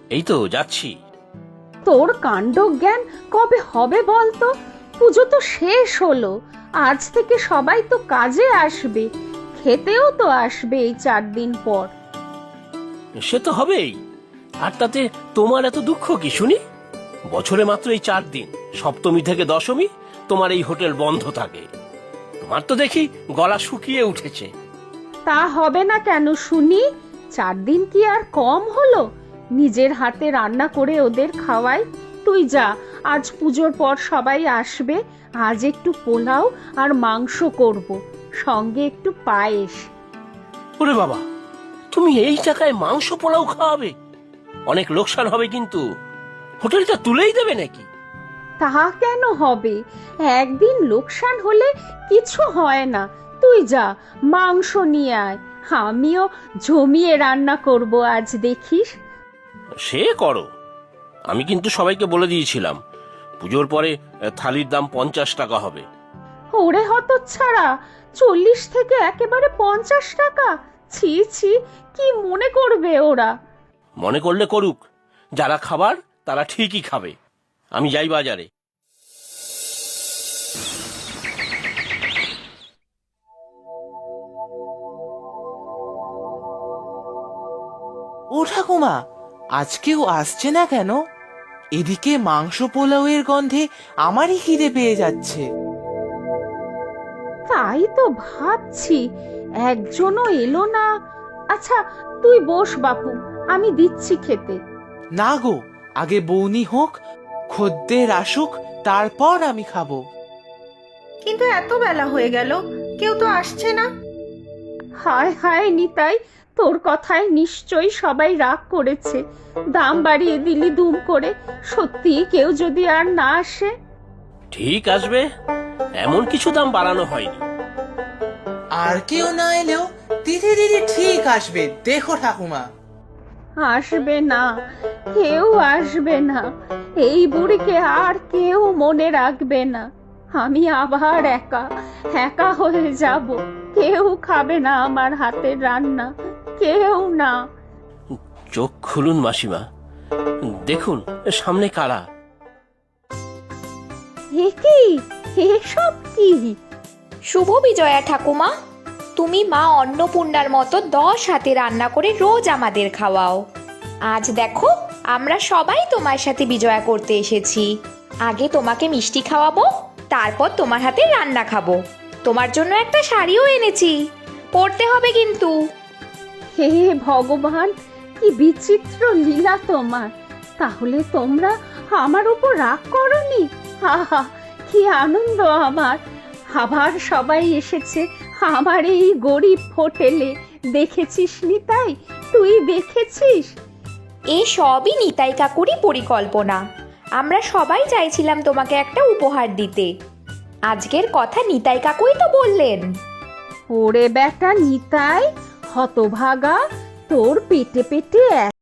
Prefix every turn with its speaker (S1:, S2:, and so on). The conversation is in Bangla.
S1: এই তো যাচ্ছি।
S2: তোর কাণ্ডজ্ঞান কবে হবে বলতো? পুজো তো শেষ হলো, আজ থেকে সবাই তো কাজে আসবে, খেতেও তো আসবে এই 4 দিন পর।
S1: সে তো হবেই, আর তাতে তোমার এত দুঃখ কি শুনি? বছরে মাত্র এই 4 দিন, সপ্তমী থেকে দশমী তোমার এই হোটেল বন্ধ থাকে। তোমার তো দেখি গলা শুকিয়ে উঠেছে।
S2: তা হবে না কেন শুনি? 4 দিন কি আর কম হলো? নিজের হাতে রান্না করে ওদের খাওয়াই। তুই যা, আজ পুজোর পর সবাই আসবে, আজ একটু পোলাও আর মাংস করব, সঙ্গে একটু পায়েস।
S1: ওরে বাবা, তুমি এই টাকায় মাংস পোলাও খাওয়াবে? অনেক লোকসান হবে কিন্তু। হোটেলটা তুলেই দেবে নাকি?
S2: তা কেন হবে? একদিন লোকসান হলে কিছু হয় না। তুই যা, মাংস নিয়ে আয়, আমিও জমিয়ে রান্না করব আজ, দেখিস।
S1: সে করো, আমি কিন্তু সবাইকে বলে দিয়েছিলাম পুজোর পরে থালির দাম 50 টাকা হবে।
S2: ওরে হতচ্ছাড়া, 40 থেকে একেবারে 50 টাকা! ছি ছি, কি মনে করবে ওরা?
S1: মনে করলে করুক, যারা খাবার তারা ঠিকই খাবে। আমি যাই বাজারে।
S3: ও ঠাকুমা, আজকেও আসছে না কেন? এদিকে মাংস পোলাওয়ের গন্ধে আমারই খিদে পেয়ে যাচ্ছে।
S2: তাই তো ভাবছি, একজনও এলো না। আচ্ছা, তুই বস বাপু, আমি দিচ্ছি খেতে।
S3: না গো, আগে বৌনি হোক, খদ্দের আসুক, তারপর আমি খাবো।
S4: কিন্তু এত বেলা হয়ে গেল, কেউ তো আসছে না।
S2: হায় হায় নিতাই, তোর কথায় নিশ্চয়ই সবাই রাগ করেছে, দাম বাড়িয়ে দিলি দুম করে। সত্যি কেউ যদি আর না আসে?
S1: ঠিক আসবে, এমন কিছু দাম বাড়ানো হয়নি।
S3: আর কেউ না এলেও দিদি দিদি ঠিক আসবে, দেখো ঠাকুমা।
S2: আসবে না, কেউ আসবে না। এই বুড়িকে আর কেউ মনে রাখবে না। আমি আবার একা একা হয়ে যাব। কেউ খাবে না আমার হাতের রান্না, কেউ না।
S1: চোখ খুলুন মাসিমা, দেখুন সামনে কারা।
S2: এ কি, এসব কি?
S5: শুভ বিজয়া ঠাকুমা, তুমি মা অন্নপূর্ণার মতো 10 হাতে রান্না করে রোজ আমাদের খাওয়াও। আজ দেখো, আমরা সবাই তোমার সাথে বিজয়া করতে এসেছি। আগে তোমাকে মিষ্টি খাওয়াবো, তারপর তোমার হাতে রান্না খাবো। তোমার জন্য একটা শাড়িও এনেছি, পরতে হবে কিন্তু।
S2: হে ভগবান, কি বিচিত্র লীলা তোমার! তাহলে তোমরা আমার উপর রাগ করনি? আহা, কি আনন্দ আমার! আবার সবাই এসেছে আমার এই গরিব হোটেলে। দেখেছিস নিতাই, তুই দেখেছিস?
S5: এ সবই নিতাই কাকুরই পরিকল্পনা। আমরা সবাই চাইছিলাম তোমাকে একটা উপহার দিতে। আজকের কথা নিতাই কাকুই তো বললেন।
S2: ওরে বেটা নিতাই, হতভাগা, তোর পেটে পেটে